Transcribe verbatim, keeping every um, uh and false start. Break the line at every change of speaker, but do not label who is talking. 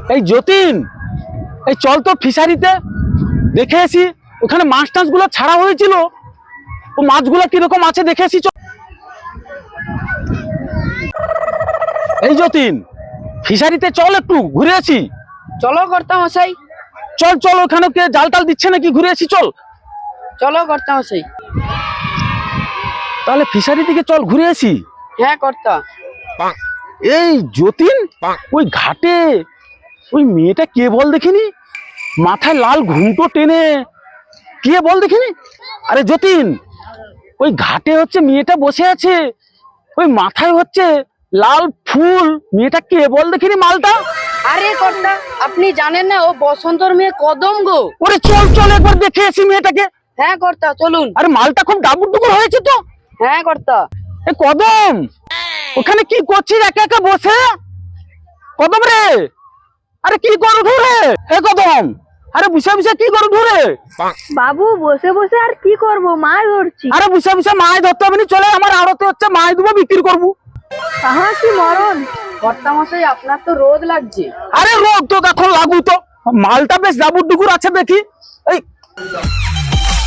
এই যতীন, এই চল তো ফিশারিতে দেখে আসি, ওখানে মাছ টাছ গুলো ছাড়া হয়েছিল, ও মাছগুলো কিরকম আছে দেখে আসি। চল এই যতীন, ফিশারিতে চল একটু ঘুরে আসি।
চলো কর্তা মশাই,
চল চল, ওখানে কে জাল টাল দিচ্ছে নাকি, ঘুরে আসি চল।
চলো কর্তা মশাই।
তাহলে ফিশারি থেকে চল ঘুরে আসি।
হ্যাঁ কর্তা।
এই যতীন, ওই ঘাটে ওই মেয়েটা কে বল দেখিনি, মাথায় লাল ঘুমটো টেনে, কে বল দেখিনি। আরে যতীন, ওই ঘাটে হচ্ছে মেয়েটা বসে আছে, ওই মাথায় হচ্ছে লাল ফুল, মেয়েটা কে বল দেখিনি মালটা।
আরে কর্তা, আপনি জানেন না ও বসন্তর মেয়ে কদম গো।
ওরে চল চল একবার দেখে আসি মেয়েটাকে।
হ্যাঁ কর্তা চলুন।
আরে মালটা খুব ডাবুর ডুবুর হয়েছে তো।
হ্যাঁ কর্তা।
এ কদম, ওখানে কি করছিস একা একা বসে? কদম রে, আরে কি করু রে? এ কদম, আরে বুঝে বুঝে কি করু রে?
বাবু বসে বসে আর কি করব, মাছ ধরছি।
আরে বুঝে বুঝে মাছ ধরতে হবে না, চলে আমার আড়তে হচ্ছে মাছ দেবো, বিক্রি করবো।
আহা কি মরণ।
কর্তা মশাই আপনার তো রোদ লাগছে।
আরে রোগ তো এখন লাগু তো, মালটা বেশ ডাবুর ডুকুর আছে দেখি। এই